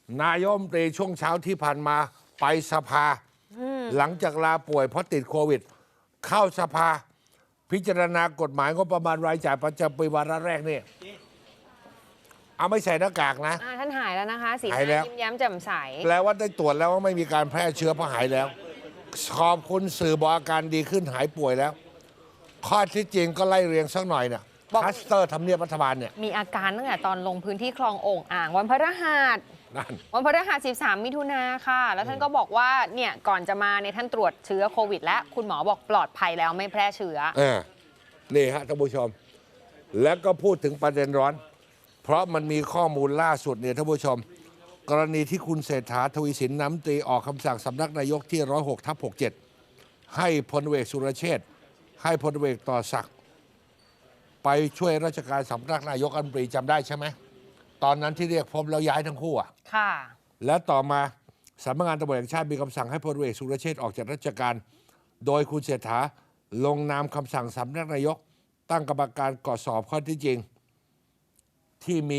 นายกรัฐมนตรีช่วงเช้าที่ผ่านมาไปสภาหลังจากลาป่วยเพราะติดโควิด เข้าสภาพิจารณากฎหมายงบประมาณรายจ่ายประจำปีวาระแรกนี่เอาไม่ใส่หน้ากากนะท่านหายแล้วนะคะสีหหายแล้วน้ายิ้มแย้มแจ่มใสแปลว่าได้ตรวจแล้วว่าไม่มีการแพร่เชื้อเพราะหายแล้ว ขอบคุณสื่อบอกอาการดีขึ้นหายป่วยแล้ว ข้อที่จริงก็ไล่เรียงสักหน่อยเนี่ยคลัสเตอร์ทำเนียบรัฐบาลเนี่ยมีอาการตั้งแต่ตอนลงพื้นที่คลองโอ่งอ่างวันพฤหัสนั่นวันพฤหัส 13 มิถุนาค่ะ แล้วท่านก็บอกว่าเนี่ยก่อนจะมาเนี่ยท่านตรวจเชื้อโควิดแล้วคุณหมอบอกปลอดภัยแล้วไม่แพร่เชื้อนี่ฮะท่านผู้ชม แล้วก็พูดถึงประเด็นร้อน เพราะมันมีข้อมูลล่าสุดเนี่ยท่านผู้ชม กรณีที่คุณเศรษฐาทวีสินน้ำตรีออกคำสั่งสำนักนายกที่ 106/67 ให้พลเอกสุรเชษฐ์ให้พลเอกต่อศักดิ์ไปช่วยราชการสำนักนายกรัฐมนตรีจำได้ใช่ไหมตอนนั้นที่เรียกพบแล้วย้ายทั้งคู่อ่ะค่ะและต่อมาสำนักงานตำรวจแห่งชาติมีคำสั่งให้พลเอกสุรเชษฐ์ออกจากราชการ โดยคุณเศรษฐาลงนามคำสั่งสำนักนายกตั้งกรรมการตรวจสอบข้อที่จริงที่มี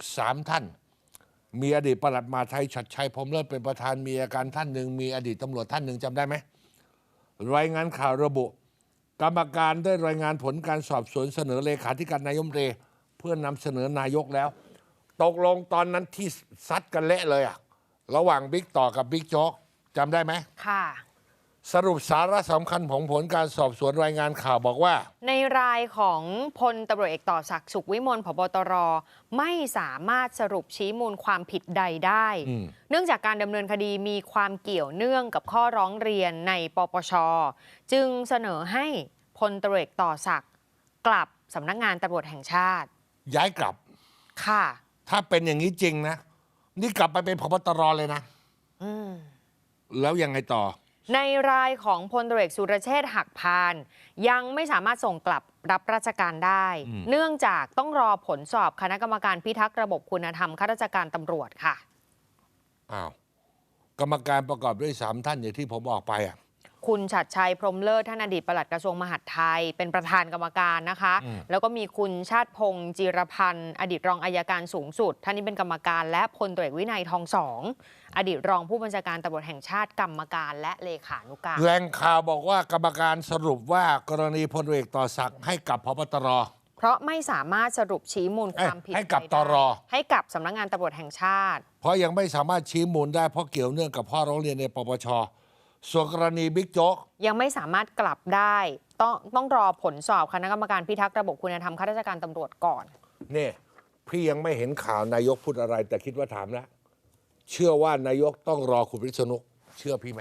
3ท่านมีอดีตปลัดมหาดไทยชัดชัยพรหมเลิศเป็นประธานมีอาการท่านหนึ่งมีอดีตตำรวจท่านหนึ่งจำได้ไหมรายงานข่าวระบุ กรรมการได้รายงานผลการสอบสวนเสนอเลขาธิการนายกรัฐมนตรีเพื่อนำเสนอนายกแล้วตกลงตอนนั้นที่ซัดกันเละเลยอะระหว่างบิ๊กต่อกับบิ๊กโจ๊กจำได้ไหมค่ะสรุปสาระสำคัญของผลการสอบสวนรายงานข่าวบอกว่าในรายของพลตำรวจเอกต่อศักดิ์สุขวิมลผบ.ตร.ไม่สามารถสรุปชี้มูลความผิดใดได้เนื่องจากการดำเนินคดีมีความเกี่ยวเนื่องกับข้อร้องเรียนในปปช.จึงเสนอให้พลตำรวจเอกต่อศักดิ์กลับสำนักงานตำรวจแห่งชาติย้ายกลับค่ะถ้าเป็นอย่างนี้จริงนะนี่กลับไปเป็นผบ.ตร.เลยนะแล้วยังไงต่อในรายของพลตำรวจเอกสุรเชษฐ์หักพานยังไม่สามารถส่งกลับรับราชการได้เนื่องจากต้องรอผลสอบคณะกรรมการพิทักษ์ระบบคุณธรรมข้าราชการตำรวจค่ะอ้าวกรรมการประกอบด้วย3ท่านอย่างที่ผมบอกไปอ่ะคุณฉัตรชัยพรหมเลิศท่านอดีตปลัดกระทรวงมหาดไทยเป็นประธานกรรมการนะคะแล้วก็มีคุณชาติพงษ์จิรพันธ์อดีตรองอัยการสูงสุดท่านนี้เป็นกรรมการและพลตำรวจเอกวินัยทองสองอดีตรองผู้บัญชาการตำรวจแห่งชาติกรรมการและเลขานุการแหล่งข่าวบอกว่ากรรมการสรุปว่ากรณีพลเอกต่อศักดิ์ให้กับพบตรเพราะไม่สามารถสรุปชี้มูลความผิดให้กับตรให้กับสำนักงานตำรวจแห่งชาติเพราะยังไม่สามารถชี้มูลได้เพราะเกี่ยวเนื่องกับข้อร้องเรียนในปปช.ส่วนกรณีบิ๊กโจ๊กยังไม่สามารถกลับได้ต้องรอผลสอบคณะกรรมการพิทักษ์ระบบคุณธรรมข้าราชการตำรวจก่อนนี่พี่ยังไม่เห็นข่าวนายกพูดอะไรแต่คิดว่าถามแล้วเชื่อว่านายกต้องรอคุณวิษณุเชื่อพี่ไหม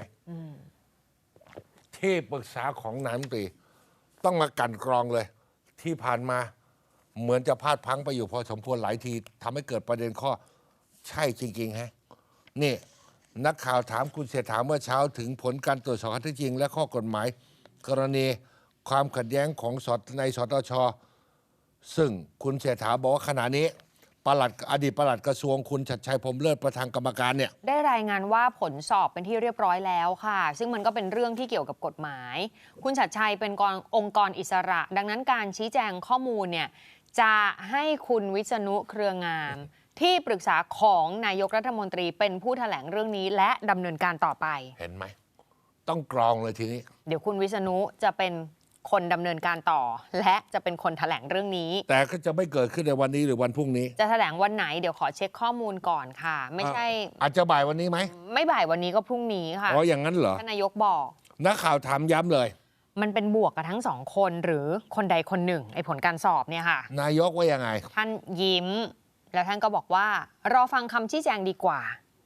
ที่ปรึกษาของนายกรัฐมนตรีต้องมากั่นกรองเลยที่ผ่านมาเหมือนจะพลาดพลั้งไปอยู่พอสมควรหลายทีทำให้เกิดประเด็นข้อใช่จริงๆฮะนี่นักข่าวถามคุณเศรษฐาเมื่อเช้าถึงผลการตรวจสอบข้อเท็จจริงและข้อกฎหมายกรณีความขัดแย้งของในสตช.ซึ่งคุณเศรษฐาบอกว่าขณะนี้อดีตปลัดกระทรวงคุณชัดชัยพรหมเลิศประธานกรรมการเนี่ยได้รายงานว่าผลสอบเป็นที่เรียบร้อยแล้วค่ะซึ่งมันก็เป็นเรื่องที่เกี่ยวกับกฎหมายคุณชัดชัยเป็นองค์กรอิสระ ดังนั้นการชี้แจงข้อมูลเนี่ยจะให้คุณวิษณุเครืองามที่ปรึกษาของนายกรัฐมนตรีเป็นผู้แถลงเรื่องนี้และดำเนินการต่อไปเห็นไหมต้องกรองเลยทีนี้เดี๋ยวคุณวิษณุจะเป็นคนดำเนินการต่อและจะเป็นคนแถลงเรื่องนี้แต่ก็จะไม่เกิดขึ้นในวันนี้หรือวันพรุ่งนี้จะแถลงวันไหนเดี๋ยวขอเช็คข้อมูลก่อนค่ะไม่ใช่อาจจะบ่ายวันนี้ไหมไม่บ่ายวันนี้ก็พรุ่งนี้ค่ะอ๋ออย่างนั้นเหรอท่านนายกบอกนักข่าวถามย้ำเลยมันเป็นบวกกับทั้งสองคนหรือคนใดคนหนึ่งไอ้ผลการสอบเนี่ยค่ะนายกว่ายังไงท่านยิ้มแล้วท่านก็บอกว่ารอฟังคำชี้แจงดีกว่า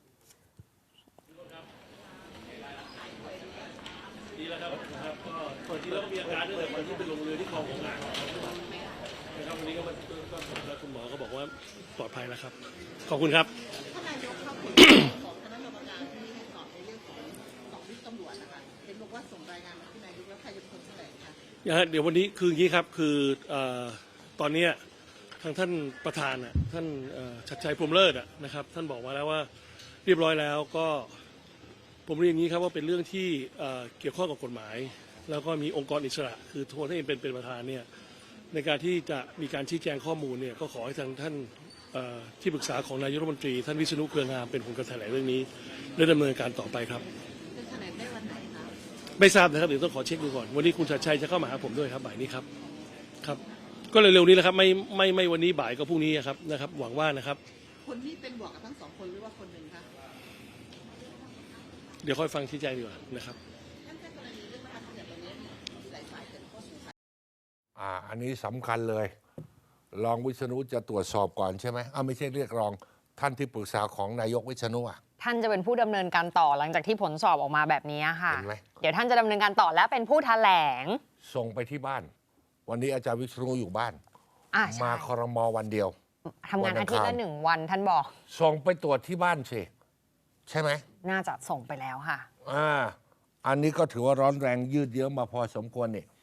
ดีแล้วครับก็ที่เราก็มีอาการตั้งแต่วันที่ไปลงเรือที่คลองของอ่างนะครับวันนี้ก็คุณหมอก็บอกว่าปลอดภัยแล้วครับขอบคุณครับท่านนายกครับของคณะกรรมการที่สอบในเรื่องของวิศตำรวจนะคะเห็นบอกว่าส่งรายงานมาที่นายกแล้วใครจะเป็นคนแถลงคะเดี๋ยววันนี้คืออย่างนี้ครับคือตอนนี้ทางท่านประธานท่านชัดชัยพรหมเลิศนะครับท่านบอกมาแล้วว่าเรียบร้อยแล้วก็ผมเรียนอย่างนี้ครับว่าเป็นเรื่องที่เกี่ยวข้องกับกฎหมายแล้วก็มีองค์กรอิสระคือโทษให้เป็นประธานเนี่ยในการที่จะมีการชี้แจงข้อมูลเนี่ยก็ขอให้ทางท่านที่ปรึกษาของนายกรัฐมนตรีท่านวิษณุเครืองามเป็นคนกระแถลงเรื่องนี้และดำเนินการต่อไปครับจะแถลงได้วันไหนคะไม่ทราบนะครับเดี๋ยวต้องขอเช็คดูก่อนวันนี้คุณชัดชัยจะเข้ามาหาผมด้วยครับบ่ายนี้ครับครับก็เร็วๆนี้แหละครับไม่วันนี้บ่ายก็พรุ่งนี้ครับนะครับหวังว่านะครับคนที่เป็นบวกกับทั้ง2 คนหรือว่าคนหนึ่งคะเดี๋ยวค่อยฟังชี้แจงดีกว่านะครับท่านแจ้งกรณีเรื่องประธานเนี่ยตอนนี้มีหลายฝ่ายเกิดข้อสงสัยอันนี้สำคัญเลยรองวิษณุจะตรวจสอบก่อนใช่ไหมไม่ใช่เรียกรองท่านที่ปรึกษาของนายกวิษณุท่านจะเป็นผู้ดำเนินการต่อหลังจากที่ผลสอบออกมาแบบนี้ค่ะเห็นไหมเดี๋ยวท่านจะดำเนินการต่อและเป็นผู้แถลงส่งไปที่บ้านวันนี้อาจารย์วิษณุอยู่บ้านมาครม.วันเดียวทำงานอาทิตย์ละ1 วันท่านบอกส่งไปตรวจที่บ้านสิใช่ไหมน่าจะส่งไปแล้วค่ะอันนี้ก็ถือว่าร้อนแรงยืดเยื้อมาพอสมควรนี่